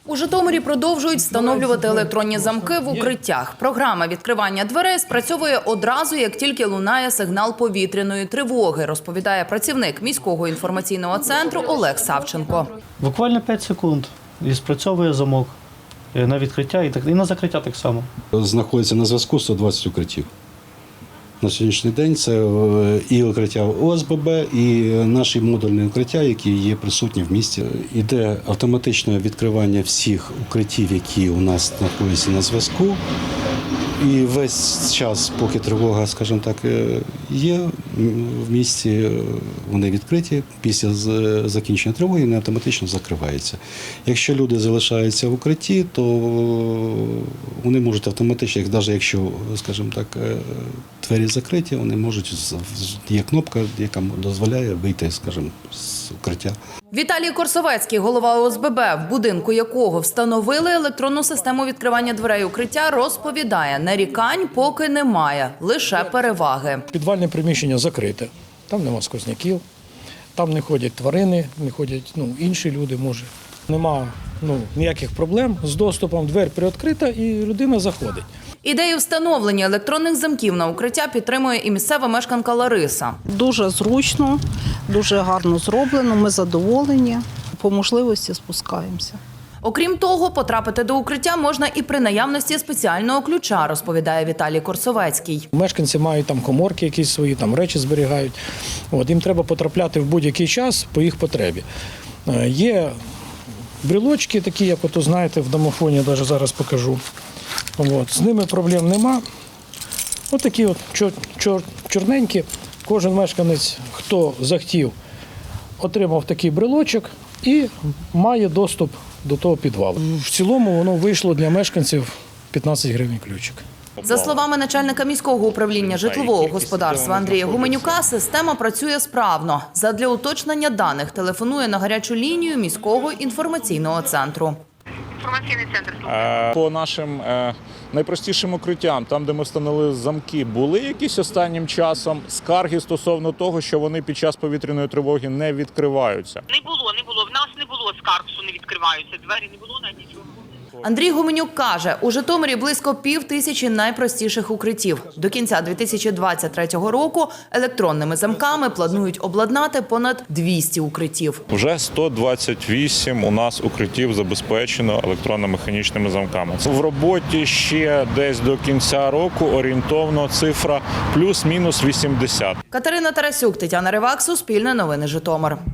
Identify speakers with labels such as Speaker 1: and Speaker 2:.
Speaker 1: У Житомирі продовжують встановлювати електронні замки в укриттях. Програма відкривання дверей спрацьовує одразу, як тільки лунає сигнал повітряної тривоги, розповідає працівник міського інформаційного центру Олег Савченко.
Speaker 2: Буквально 5 секунд і спрацьовує замок на відкриття і на закриття так само.
Speaker 3: Знаходиться на зв'язку 120 укриттів. На сьогоднішній день це і укриття ОСББ, і наші модульні укриття, які є присутні в місті. Іде автоматичне відкривання всіх укриттів, які у нас знаходяться на зв'язку. І весь час, поки тривога, скажімо так, є в місті, вони відкриті. Після закінчення тривоги вони автоматично закриваються. Якщо люди залишаються в укритті, то вони можуть автоматично, навіть якщо, скажімо так, двері закриті, вони можуть, є кнопка, яка дозволяє вийти, скажімо, з укриття.
Speaker 1: Віталій Корсовецький, голова ОСББ, в будинку якого встановили електронну систему відкривання дверей укриття, розповідає, нарікань поки немає, лише переваги.
Speaker 4: Підвальне приміщення закрите, там нема сквозняків, там не ходять тварини, не ходять інші люди, може. Нема ніяких проблем з доступом, двері привідкрита і людина заходить.
Speaker 1: Ідею встановлення електронних замків на укриття підтримує і місцева мешканка Лариса.
Speaker 5: Дуже зручно, дуже гарно зроблено, ми задоволені, по можливості спускаємося.
Speaker 1: Окрім того, потрапити до укриття можна і при наявності спеціального ключа, розповідає Віталій Корсовецький.
Speaker 4: Мешканці мають там коморки якісь свої, там речі зберігають. Їм треба потрапляти в будь-який час по їх потребі. Є брелочки такі, як знаєте, в домофоні, я навіть зараз покажу. З ними проблем нема. Такі чорненькі. Кожен мешканець, хто захотів, отримав такий брелочок і має доступ до того підвалу. В цілому воно вийшло для мешканців 15 гривень ключик.
Speaker 1: За словами начальника міського управління житлового господарства Андрія Гуменюка, система працює справно. Задля уточнення даних телефонує на гарячу лінію міського інформаційного центру.
Speaker 6: Інформаційний центр.
Speaker 7: По нашим найпростішим укриттям, там, де ми встановили замки, були якісь останнім часом скарги стосовно того, що вони під час повітряної тривоги не відкриваються?
Speaker 6: Не було. В нас не було скарг, що не відкриваються двері, не було навіть нічого.
Speaker 1: Андрій Гуменюк каже, у Житомирі близько 5000 найпростіших укриттів. До кінця 2023 року електронними замками планують обладнати понад 200 укриттів.
Speaker 7: Вже 128 у нас укриттів забезпечено електронно-механічними замками. В роботі ще десь до кінця року орієнтовно цифра плюс-мінус 80.
Speaker 1: Катерина Тарасюк, Тетяна Ривак, Суспільне новини, Житомир.